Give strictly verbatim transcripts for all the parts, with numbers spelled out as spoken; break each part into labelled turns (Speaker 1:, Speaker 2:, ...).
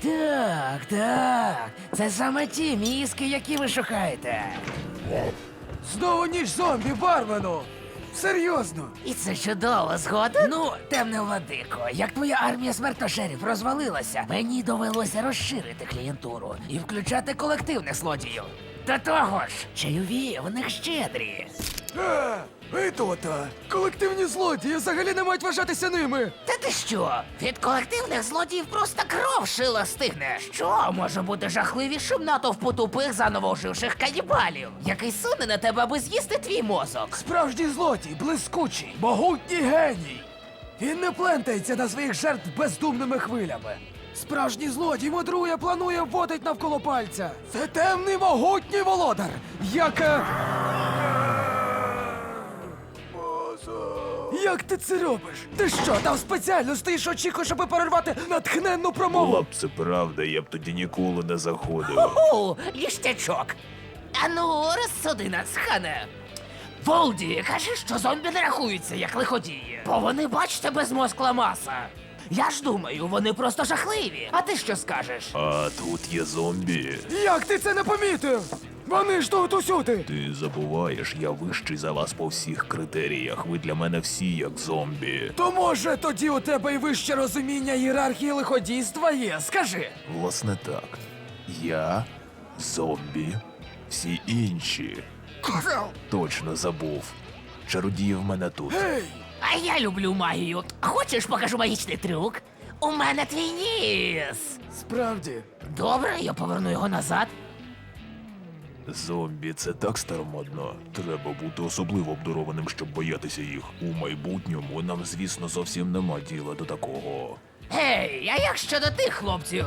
Speaker 1: Так, так. Це саме ті мізки, які ви шукаєте.
Speaker 2: Знову ніч зомбі, бармену! Серйозно!
Speaker 1: І це чудово, згоден? Ну, темне владико, як твоя армія смертошерів розвалилася, мені довелося розширити клієнтуру і включати колективних злодіїв. До того ж, чайові в них щедрі.
Speaker 2: А, і то-то! Колективні злодії взагалі не мають вважатися ними!
Speaker 1: Та ти що? Від колективних злодіїв просто кров шила стигне. Що може бути жахливішим натовпу тупих заново оживших канібалів, який суне на тебе, аби з'їсти твій мозок?
Speaker 2: Справжній злодій, блискучий, могутній геній! Він не плентається на своїх жертв бездумними хвилями. Справжній злодій мудрує, планує, вводить навколо пальця. Це темний могутній володар, як... е, Як ти це робиш? Ти що, там спеціально стоїш очікуєш, аби перервати натхненну промову?
Speaker 3: Була б це правда, я б тоді ніколи не заходив.
Speaker 1: Ху, ліштячок. Ану, розсуди нас, хане. Волді, кажи, що зомбі не рахуються, як лиходії. Бо вони, бачите, безмозкла маса. Я ж думаю, вони просто жахливі. А ти що скажеш?
Speaker 3: А тут є зомбі.
Speaker 2: Як ти це не помітив? Вони ж тут усюди!
Speaker 3: Ти забуваєш, я вищий за вас по всіх критеріях. Ви для мене всі як зомбі.
Speaker 2: То може тоді у тебе й вище розуміння ієрархії лиходійства є? Скажи.
Speaker 3: Власне так. Я зомбі, всі інші. Точно забув. Чародії в мене тут.
Speaker 2: Гей!
Speaker 1: А я люблю магію. Хочеш, покажу магічний трюк? У мене твій ніс.
Speaker 2: Справді.
Speaker 1: Добре, я поверну його назад.
Speaker 3: Зомбі це так старомодно. Треба бути особливо обдарованим, щоб боятися їх. У майбутньому нам, звісно, зовсім нема діла до такого.
Speaker 1: Гей, а як щодо тих хлопців?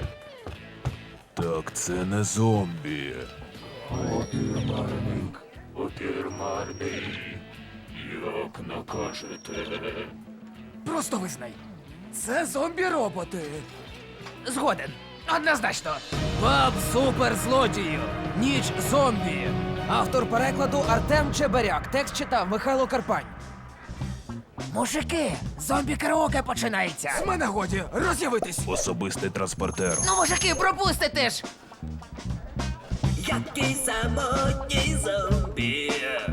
Speaker 3: Так це не зомбі. Опірмарник, опірмарник. Як накажете?
Speaker 2: Просто визнай. Це зомбі-роботи.
Speaker 1: Згоден. Однозначно.
Speaker 2: Баб суперзлодіїв. Ніч зомбі. Автор перекладу Артем Чеберяк. Текст читав Михайло Карпань.
Speaker 1: Мужики, зомбі-караоке починається.
Speaker 2: З мене годі, роз'явитись.
Speaker 3: Особистий транспортер.
Speaker 1: Ну, мужики, пропустите ж.
Speaker 4: Який самотній зомбі.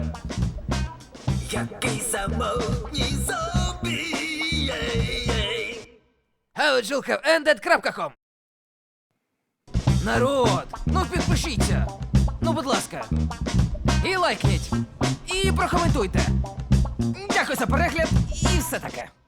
Speaker 4: Який самотній зомбі. Єй-єй.
Speaker 2: Геоджілка ендед крапка ком. Народ, ну підпишіться. Ну, будь ласка. І лайкніть. І прокоментуйте. Дякую за перегляд і все таке.